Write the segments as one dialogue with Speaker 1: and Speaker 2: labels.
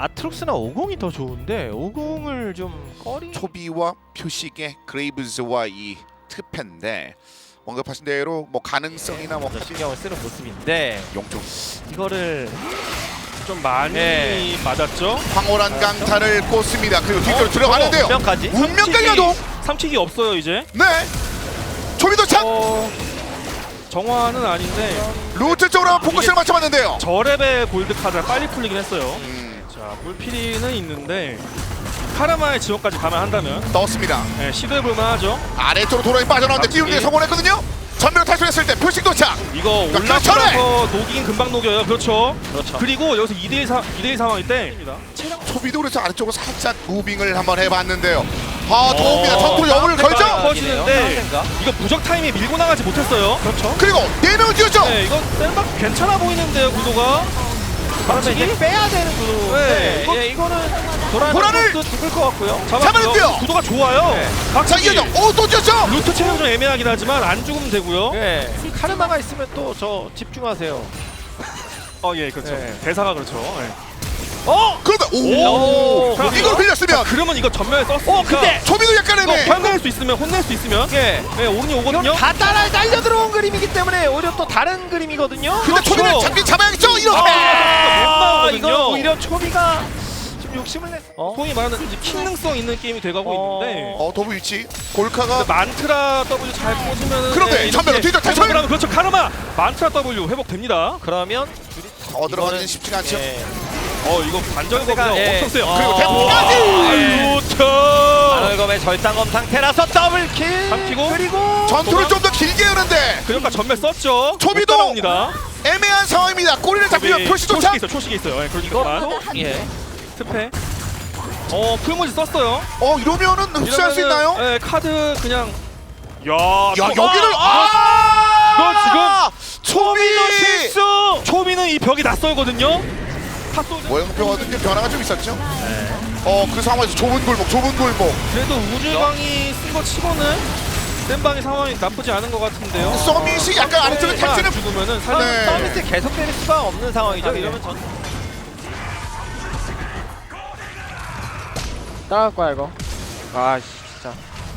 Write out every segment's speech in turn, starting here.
Speaker 1: 아트록스나 50이 더 좋은데 50을 좀 꺼리.
Speaker 2: 초비와 표식의 그레이브즈와 이 트펜데 언급하신 대로 뭐 가능성이나 뭐
Speaker 1: 신경을 쓰는 모습인데
Speaker 2: 용종
Speaker 1: 이거를
Speaker 3: 좀 많이
Speaker 1: 네.
Speaker 3: 맞았죠.
Speaker 2: 황홀한 강타를 꽂습니다. 그리고 뒤로 들어가는데요.
Speaker 1: 운명까지.
Speaker 2: 운명까지 가동.
Speaker 3: 삼킥이 없어요 이제.
Speaker 2: 네. 초비 도착.
Speaker 3: 정화는 아닌데
Speaker 2: 루트 쪽으로 한번 포커스를 맞춰봤는데요.
Speaker 3: 저랩의 골드 카드가 빨리 풀리긴 했어요. 자, 물피리는 있는데 카르마의 지원까지 감안한다면
Speaker 2: 떴습니다.
Speaker 3: 네, 시도해볼만 하죠.
Speaker 2: 아래쪽으로 도로에 빠져나오는데 띄우기에 성공했거든요. 전면으로 탈출했을 때 표식 도착.
Speaker 3: 이거 올라가서 녹이긴 금방 녹여요. 그렇죠.
Speaker 1: 그렇죠.
Speaker 3: 그리고 여기서 2대1 상황일 때
Speaker 2: 초비도 그래서 아래쪽으로 살짝 무빙을 한번 해봤는데요. 아 도움입니다. 전투로 여물을 걸죠.
Speaker 3: 커지는데 이거 무적 타임에 밀고 나가지 못했어요.
Speaker 1: 그렇죠.
Speaker 2: 그리고 4명을 띄웠죠.
Speaker 3: 네, 이거 셀박 괜찮아 보이는데요, 구도가.
Speaker 1: 그러면 이제 빼야 되는 구도인데
Speaker 3: 네,
Speaker 1: 이거는
Speaker 2: 도란을!
Speaker 1: 도란을 죽을 것 같고요.
Speaker 2: 잡았는데요.
Speaker 3: 구도가 좋아요.
Speaker 1: 네.
Speaker 2: 자
Speaker 3: 박치기.
Speaker 2: 이어져. 또 뛰었죠.
Speaker 3: 루트 체력 좀 애매하긴 하지만 안 죽으면 되고요.
Speaker 1: 네. 카르마가 있으면 또 저 집중하세요.
Speaker 3: 예, 그렇죠.
Speaker 1: 네.
Speaker 3: 대사가 그렇죠. 네.
Speaker 2: 그런데
Speaker 1: 오,
Speaker 2: 이걸 빌렸으면
Speaker 3: 그러면 이거 전면에 썼으니까.
Speaker 1: 근데
Speaker 2: 초비도 약간
Speaker 3: 이거
Speaker 2: 애매.
Speaker 3: 혼낼 수 있으면 네, 오른이 오거든요.
Speaker 1: 이건 다 따라 날려 들어온 그림이기 때문에 오히려 또 다른 그림이거든요.
Speaker 2: 근데
Speaker 3: 그렇죠.
Speaker 2: 초비를 잡긴 잡아야겠죠. 이렇게.
Speaker 3: 못 나오거든요.
Speaker 1: 이거 오히려 초비가 지금 욕심을 냈.
Speaker 3: 소위 말하는 이제 킹능성 있는 게임이 돼가고 있는데
Speaker 2: 도부 위치. 골카가
Speaker 3: 만트라 W 잘 꽂으면
Speaker 2: 그런데 전면으로 뒤져 탈출!
Speaker 3: 그렇죠. 카르마 만트라 W 회복됩니다.
Speaker 1: 그러면
Speaker 2: 더 들어가기는
Speaker 1: 이거는-
Speaker 2: 쉽지가 않죠.
Speaker 1: 예.
Speaker 3: 이거 관절거가
Speaker 1: 예.
Speaker 3: 엄청 세요.
Speaker 2: 그리고
Speaker 1: 어.
Speaker 2: 대포까지!
Speaker 3: 루트
Speaker 1: 아널검의 절단검 상태라서 더블킬.
Speaker 3: 삼키고
Speaker 1: 그리고
Speaker 2: 전투를 좀 더 길게 하는데
Speaker 3: 그러니까 전멸 썼죠.
Speaker 2: 초비도!
Speaker 3: 못 따라옵니다.
Speaker 2: 애매한 상황입니다. 꼬리를 잡히면 표시 도착.
Speaker 3: 초식이 있어요. 예, 그러니까
Speaker 1: 이것도 예.
Speaker 3: 스페. 풀무지 썼어요.
Speaker 2: 이러면은 흡수할 수 있나요?
Speaker 3: 예, 카드 그냥. 야,
Speaker 2: 여기를
Speaker 3: 이거
Speaker 2: 초비도
Speaker 3: 실수. 초비는 이 벽이 낯설거든요. 탑소드.
Speaker 2: 모형표와도 좀 변화가 좀 있었죠. 그 상황에서 좁은 골목.
Speaker 3: 그래도 우주방이 쓴 거 치고는 센방의 상황이 나쁘지 않은 것 같은데요.
Speaker 2: 서밋이 약간 아래쪽에 탈출은
Speaker 3: 죽으면은
Speaker 2: 네.
Speaker 3: 살짝
Speaker 1: 서비스 계속 때릴 수가 없는 상황이죠. 이러면 전 따라갈 거야 이거. 아 진짜.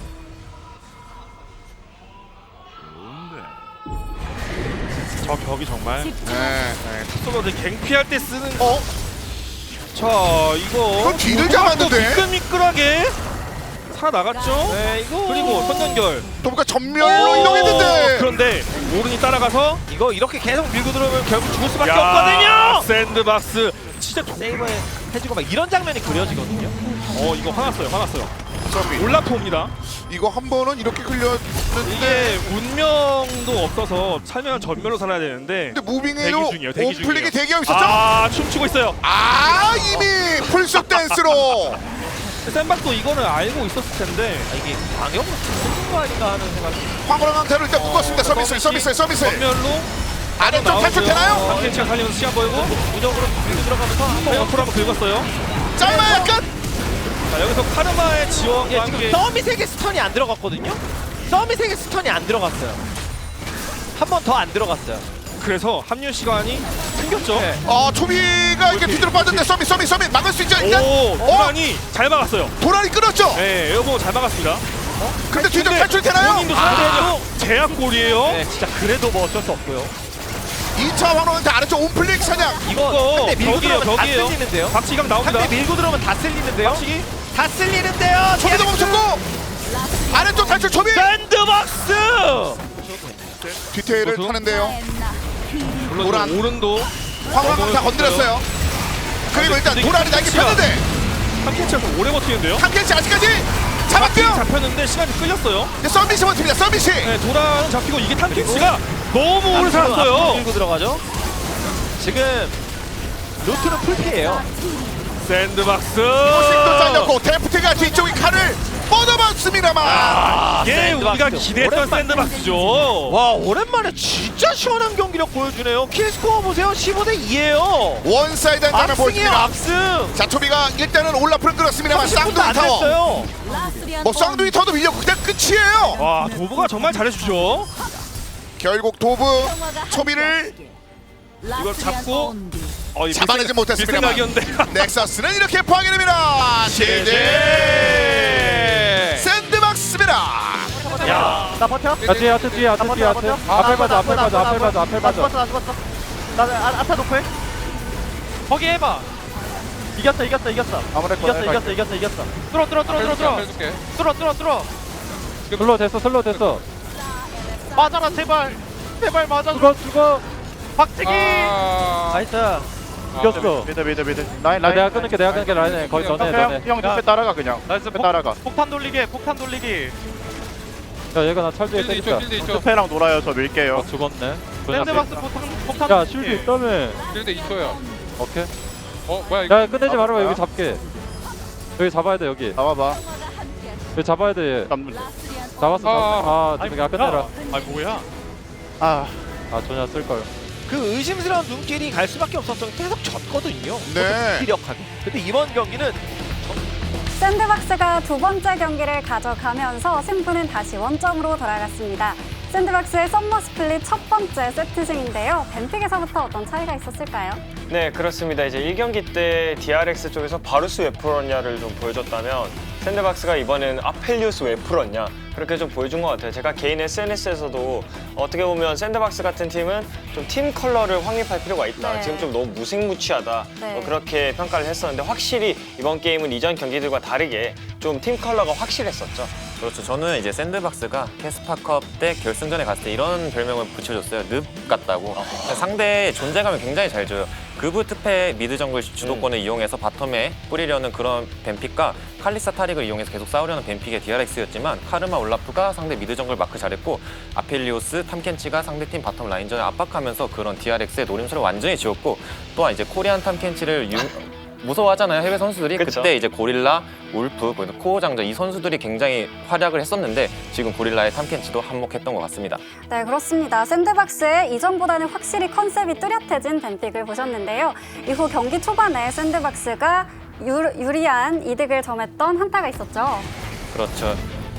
Speaker 3: 저 벽이 정말
Speaker 2: 네.
Speaker 3: 탑소드 갱피할 때 쓰는. 자 이거
Speaker 2: 그건 뒤를
Speaker 3: 우주방도
Speaker 2: 잡았는데?
Speaker 3: 미끌미끌하게 살아나갔죠.
Speaker 1: 네 이거
Speaker 3: 그리고 선전결.
Speaker 2: 도부가 전멸로 이동했는데
Speaker 3: 그런데 오른이 따라가서
Speaker 1: 이거 이렇게 계속 밀고 들어오면 결국 죽을 수밖에
Speaker 3: 야,
Speaker 1: 없거든요.
Speaker 3: 샌드박스 진짜
Speaker 1: 세이버 해주고 막 이런 장면이 그려지거든요.
Speaker 3: 이거 화났어요.
Speaker 2: 서밋.
Speaker 3: 올라프옵니다.
Speaker 2: 이거 한 번은 이렇게 흘렸는데
Speaker 3: 이게 운명도 없어서 살면 전멸로 살아야 되는데
Speaker 2: 근데 무빙으로
Speaker 3: 대기 중이에요, 대기
Speaker 2: 오플릭이
Speaker 3: 중이에요.
Speaker 2: 대기하고 있었죠?
Speaker 3: 춤추고 있어요.
Speaker 2: 이미 풀숲 댄스로
Speaker 3: 샌박도 이거는 알고 있었을 텐데
Speaker 1: 이게 방역으로 죽는 거 아닌가 하는 생각이.
Speaker 2: 황홀한 강타를 일단 묶었습니다. 서비스
Speaker 3: 전멸로
Speaker 2: 아래쪽 탈출되나요?
Speaker 3: 한켄치가 살리면서 시간 벌고
Speaker 1: 무적으로 밀고 들어가면서 한번
Speaker 3: 페어풀 한번 긁었어요.
Speaker 2: 짧아 약간
Speaker 3: 자 여기서 카르마의 지원과
Speaker 1: 예, 지금
Speaker 3: 함께
Speaker 1: 서밋에게 스턴이 안 들어갔거든요. 서밋에게 스턴이 안 들어갔어요. 한 번 더 안 들어갔어요.
Speaker 3: 그래서 합류 시간이 생겼죠.
Speaker 1: 네.
Speaker 2: 초비가 이렇게 뒤로 빠졌는데 서밋 막을 수 있죠 일단.
Speaker 3: 도란이 잘 막았어요.
Speaker 2: 도란이 끊었죠.
Speaker 3: 네 에어보 잘 막았습니다.
Speaker 2: 근데 뒤로 탈출되나요?
Speaker 3: 본인도 상대해도 제압골이에요.
Speaker 1: 네, 진짜 그래도 뭐 어쩔 수 없고요.
Speaker 2: 2차 황홀한테 아래쪽 온플릭 사냥.
Speaker 1: 이거 한대 밀고
Speaker 3: 벽이에요,
Speaker 1: 들어오면 다
Speaker 3: 벽이에요.
Speaker 1: 쓸리는데요.
Speaker 3: 박치감 나옵니다.
Speaker 1: 한대 밀고 들어오면 다 쓸리는데요.
Speaker 3: 박치기
Speaker 1: 다 쓸리는데요.
Speaker 2: 초비도 멈췄고 아래쪽 탈출 초비.
Speaker 1: 샌드박스.
Speaker 2: 뒤태를
Speaker 3: 그것도?
Speaker 2: 타는데요.
Speaker 3: 물론
Speaker 2: 도란.
Speaker 3: 오른도
Speaker 2: 황홀한 강타 건드렸어요. 그리고 일단 도란이 날개 폈는데
Speaker 3: 한켄치가 좀 오래 버티는데요.
Speaker 2: 한켄치 아직까지 잡았고요.
Speaker 3: 잡혔는데 시간이 끌렸어요.
Speaker 2: 서밋이 버팁니다. 서밋이.
Speaker 3: 네, 도란은 잡히고 이게 탐켄치가 너무 오래
Speaker 1: 앞으로
Speaker 3: 살았어요.
Speaker 1: 밀고 들어가죠. 지금 루트는 풀피예요.
Speaker 3: 샌드박스.
Speaker 2: 포식도 잘렸고 데프트가 뒤쪽에 칼을 뻗어봤습니다만
Speaker 3: 이게
Speaker 1: 샌드박스.
Speaker 3: 우리가 기대했던
Speaker 1: 오랜만에.
Speaker 3: 샌드박스죠.
Speaker 1: 와 오랜만에 진짜 시원한 경기력 보여주네요. 킬스코어 보세요. 15대 2예요.
Speaker 2: 원사이드 장면
Speaker 1: 압승이에요.
Speaker 2: 보여줍니다.
Speaker 1: 압승.
Speaker 2: 자 초비가 일단은 올라프를 끌었습니다만
Speaker 1: 30분도
Speaker 2: 쌍둥이
Speaker 1: 안
Speaker 2: 타워
Speaker 1: 됐어요.
Speaker 2: 뭐 쌍둥이 타워도 밀렸고 그냥 끝이에요.
Speaker 3: 와 도부가 정말 잘해주죠.
Speaker 2: 결국 도브 초비를
Speaker 3: 이걸 잡고
Speaker 2: 잡아내지 못했습니다.
Speaker 3: 생각이었는데.
Speaker 2: 넥서스는 이렇게 파괴됩니다. 실제 샌드박스입니다.
Speaker 1: 야,
Speaker 4: 나 버텨?
Speaker 5: 뒤에 하트 뒤에 하트 뒤에 하트 앞에 가자 앞에 가자 앞에 가자 앞에
Speaker 4: 나
Speaker 5: 가자
Speaker 4: 죽었어 나 죽었어. 나 아타 노플.
Speaker 1: 거기 해봐.
Speaker 4: 이겼어.
Speaker 5: 아무래도
Speaker 4: 이겼어.
Speaker 1: 뚫어.
Speaker 5: 슬로 됐어
Speaker 1: 맞아라 제발 맞아.
Speaker 5: 죽어
Speaker 1: 박치기.
Speaker 4: 나이스.
Speaker 5: 이겼어
Speaker 6: 미드 라인
Speaker 5: 내가 끊을게 라인에 거의 너네
Speaker 6: 형 옆에 따라가 그냥
Speaker 1: 나이스.
Speaker 6: 따라가
Speaker 1: 폭탄 돌리기.
Speaker 5: 야 얘가 나 찰지에 때린다
Speaker 6: 스페랑 놀아요 저 밀게요
Speaker 5: 죽었네
Speaker 1: 샌드박스 폭탄.
Speaker 5: 야 쉴드 있다며
Speaker 7: 실드 2초야.
Speaker 5: 오케이
Speaker 7: 뭐야 이거?
Speaker 5: 야 끝내지 말아봐 여기 잡게 여기 잡아야 돼 여기
Speaker 6: 나와봐
Speaker 5: 잡아야 돼 얘.
Speaker 6: 잡는
Speaker 5: 잡았어 야 끝내라
Speaker 1: 아 뭐야?
Speaker 6: 아
Speaker 5: 전혀 쓸걸
Speaker 1: 그 의심스러운 눈길이 갈 수밖에 없었던 게 계속 졌거든요.
Speaker 2: 네.
Speaker 1: 피력하게. 근데 이번 경기는
Speaker 8: 샌드박스가 두 번째 경기를 가져가면서 승부는 다시 원점으로 돌아갔습니다. 샌드박스의 썸머 스플릿 첫 번째 세트승인데요. 뱀픽에서부터 어떤 차이가 있었을까요?
Speaker 9: 네, 그렇습니다. 이제 1경기 때 DRX 쪽에서 바루스 웨프런냐를 좀 보여줬다면 샌드박스가 이번에는 아펠리우스 웨프런냐 그렇게 좀 보여준 것 같아요. 제가 개인 SNS에서도 어떻게 보면 샌드박스 같은 팀은 좀 팀 컬러를 확립할 필요가 있다.
Speaker 8: 네.
Speaker 9: 지금 좀 너무 무색무취하다.
Speaker 8: 네.
Speaker 9: 그렇게 평가를 했었는데 확실히 이번 게임은 이전 경기들과 다르게 좀 팀 컬러가 확실했었죠.
Speaker 10: 그렇죠. 저는 이제 샌드박스가 캐스파컵 때 결승전에 갔을 때 이런 별명을 붙여줬어요. 늪 같다고. 상대의 존재감을 굉장히 잘 줘요. 그브 트페 미드 정글 주도권을 이용해서 바텀에 뿌리려는 그런 뱀픽과 칼리사 타릭을 이용해서 계속 싸우려는 뱀픽의 DRX였지만 카르마 올라프가 상대 미드 정글 마크 잘했고 아펠리오스, 탐켄치가 상대팀 바텀 라인전을 압박하면서 그런 DRX의 노림수를 완전히 지웠고 또한 이제 코리안 탐켄치를 무서워하잖아요 해외 선수들이.
Speaker 9: 그쵸.
Speaker 10: 그때 이제 고릴라, 울프, 코어 장전 이 선수들이 굉장히 활약을 했었는데 지금 고릴라의 탐켄치도 한몫했던 것 같습니다.
Speaker 8: 네, 그렇습니다. 샌드박스의 이전보다는 확실히 컨셉이 뚜렷해진 뱀픽을 보셨는데요. 이후 경기 초반에 샌드박스가 유리한 이득을 점했던 한타가 있었죠.
Speaker 10: 그렇죠.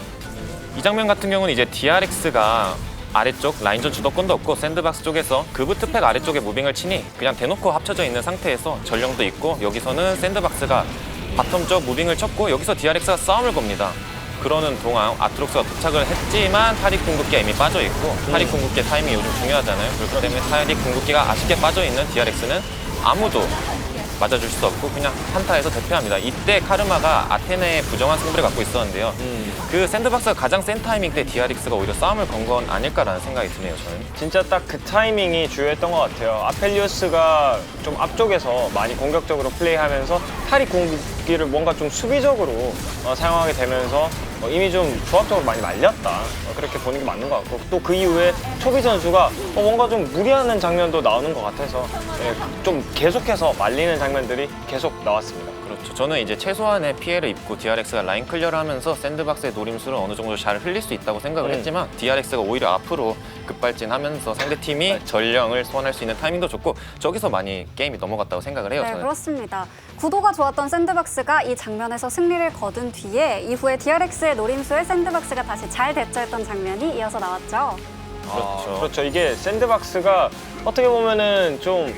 Speaker 10: 이 장면 같은 경우는 이제 DRX가 아래쪽 라인전 주도권도 없고 샌드박스 쪽에서 그브 트팩 아래쪽에 무빙을 치니 그냥 대놓고 합쳐져 있는 상태에서 전령도 있고 여기서는 샌드박스가 바텀 쪽 무빙을 쳤고 여기서 DRX가 싸움을 겁니다. 그러는 동안 아트록스가 도착을 했지만 타릭 궁극기가 이미 빠져 있고 타릭 궁극기 타이밍이 요즘 중요하잖아요. 그렇기 때문에 타릭 궁극기가 아쉽게 빠져 있는 DRX는 아무도 맞아줄 수 없고 그냥 한타에서 대패합니다. 이때 카르마가 아테네의 부정한 승부를 갖고 있었는데요. 그 샌드박스가 가장 센 타이밍 때 DRX가 오히려 싸움을 건 건 아닐까라는 생각이 드네요. 저는.
Speaker 9: 진짜 딱 그 타이밍이 주요했던 것 같아요. 아펠리우스가 좀 앞쪽에서 많이 공격적으로 플레이하면서 타릭 공격기를 뭔가 좀 수비적으로 사용하게 되면서 이미 좀 조합적으로 많이 말렸다. 그렇게 보는 게 맞는 것 같고 또 그 이후에 초비 선수가 뭔가 좀 무리하는 장면도 나오는 것 같아서 좀 계속해서 말리는 장면들이 계속 나왔습니다.
Speaker 10: 그렇죠. 저는 이제 최소한의 피해를 입고 DRX가 라인 클리어를 하면서 샌드박스의 노림수를 어느 정도 잘 흘릴 수 있다고 생각을 했지만 DRX가 오히려 앞으로 급발진하면서 상대팀이 전령을 소환할 수 있는 타이밍도 좋고 저기서 많이 게임이 넘어갔다고 생각을 해요.
Speaker 8: 네,
Speaker 10: 저는.
Speaker 8: 그렇습니다. 구도가 좋았던 샌드박스가 이 장면에서 승리를 거둔 뒤에 이후에 DRX의 노림수에 샌드박스가 다시 잘 대처했던 장면이 이어서 나왔죠.
Speaker 9: 그렇죠. 이게 샌드박스가 어떻게 보면은 좀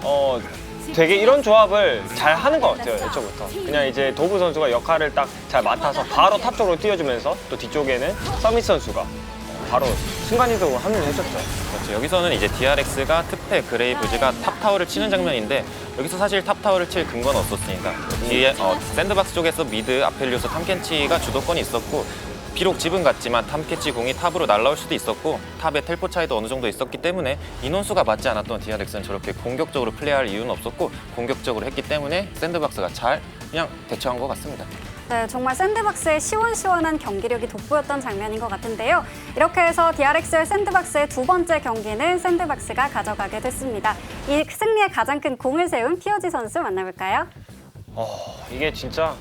Speaker 9: 되게 이런 조합을 잘 하는 것 같아요. 애초부터 그냥 이제 도브 선수가 역할을 딱 잘 맡아서 바로 탑 쪽으로 띄워주면서 또 뒤쪽에는 서밋 선수가 바로 순간이동을 합류해줬죠.
Speaker 10: 그렇죠. 여기서는 이제 DRX가 트페 그레이브즈가 탑타워를 치는 장면인데 여기서 사실 탑타워를 칠 근거는 없었으니까 뒤에 샌드박스 쪽에서 미드 아펠리오스 탐켄치가 주도권이 있었고 비록 집은 같지만 탐켄치 공이 탑으로 날아올 수도 있었고 탑의 텔포 차이도 어느 정도 있었기 때문에 인원수가 맞지 않았던 DRX는 저렇게 공격적으로 플레이할 이유는 없었고 공격적으로 했기 때문에 샌드박스가 잘 그냥 대처한 것 같습니다.
Speaker 8: 네, 정말 샌드박스의 시원시원한 경기력이 돋보였던 장면인 것 같은데요. 이렇게 해서 DRX와 샌드박스의 두 번째 경기는 샌드박스가 가져가게 됐습니다. 이 승리에 가장 큰 공을 세운 POG 선수 만나볼까요?
Speaker 9: 이게 진짜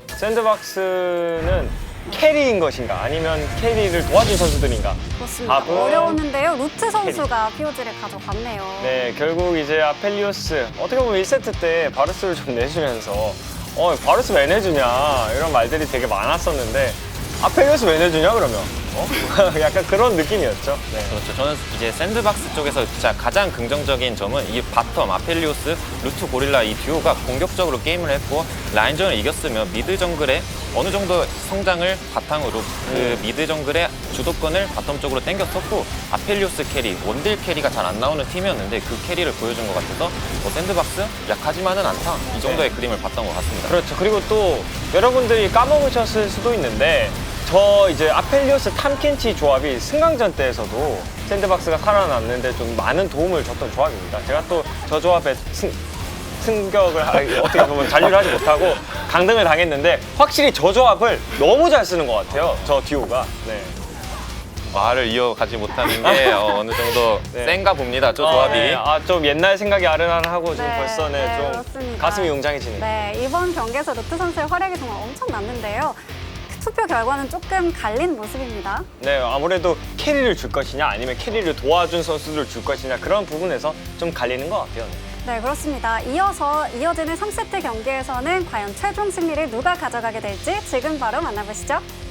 Speaker 9: 샌드박스는 캐리인 것인가 아니면 캐리를 도와준 선수들인가?
Speaker 8: 그렇습니다.
Speaker 9: 답은
Speaker 8: 어려웠는데요. 루트 선수가 POG를 가져갔네요.
Speaker 9: 네, 결국 이제 아펠리오스 어떻게 보면 1세트 때 바루스를 좀 내주면서 바루스 왜 내주냐 이런 말들이 되게 많았었는데 아펠리오스 왜 내주냐 그러면? 약간 그런 느낌이었죠. 네.
Speaker 10: 그렇죠. 저는 이제 샌드박스 쪽에서 진짜 가장 긍정적인 점은 이 바텀 아펠리오스, 루트 고릴라 이 듀오가 공격적으로 게임을 했고 라인전을 이겼으면 미드 정글의 어느 정도 성장을 바탕으로 그 미드 정글의 주도권을 바텀 쪽으로 당겼었고 아펠리오스 캐리, 원딜 캐리가 잘 안 나오는 팀이었는데 그 캐리를 보여준 것 같아서 샌드박스 약하지만은 않다 이 정도의 그림을 봤던 것 같습니다.
Speaker 9: 그렇죠. 그리고 또 여러분들이 까먹으셨을 수도 있는데 저 이제 아펠리오스 탐켄치 조합이 승강전 때에서도 샌드박스가 살아났는데 좀 많은 도움을 줬던 조합입니다. 제가 또 저 조합에 승격을 어떻게 보면 잔류를 하지 못하고 강등을 당했는데 확실히 저 조합을 너무 잘 쓰는 것 같아요. 저 듀오가. 네.
Speaker 10: 말을 이어가지 못하는 게 어느 정도
Speaker 9: 네.
Speaker 10: 센가 봅니다. 저 조합이.
Speaker 9: 네. 좀 옛날 생각이 아른아른하고 지금
Speaker 8: 네,
Speaker 9: 벌써
Speaker 8: 네,
Speaker 9: 좀
Speaker 8: 그렇습니다.
Speaker 9: 가슴이 웅장해지네요.
Speaker 8: 네, 이번 경기에서 루트 선수의 활약이 정말 엄청났는데요. 투표 결과는 조금 갈린 모습입니다.
Speaker 9: 네, 아무래도 캐리를 줄 것이냐 아니면 캐리를 도와준 선수를 줄 것이냐 그런 부분에서 좀 갈리는 것 같아요.
Speaker 8: 네, 그렇습니다. 이어지는 3세트 경기에서는 과연 최종 승리를 누가 가져가게 될지 지금 바로 만나보시죠.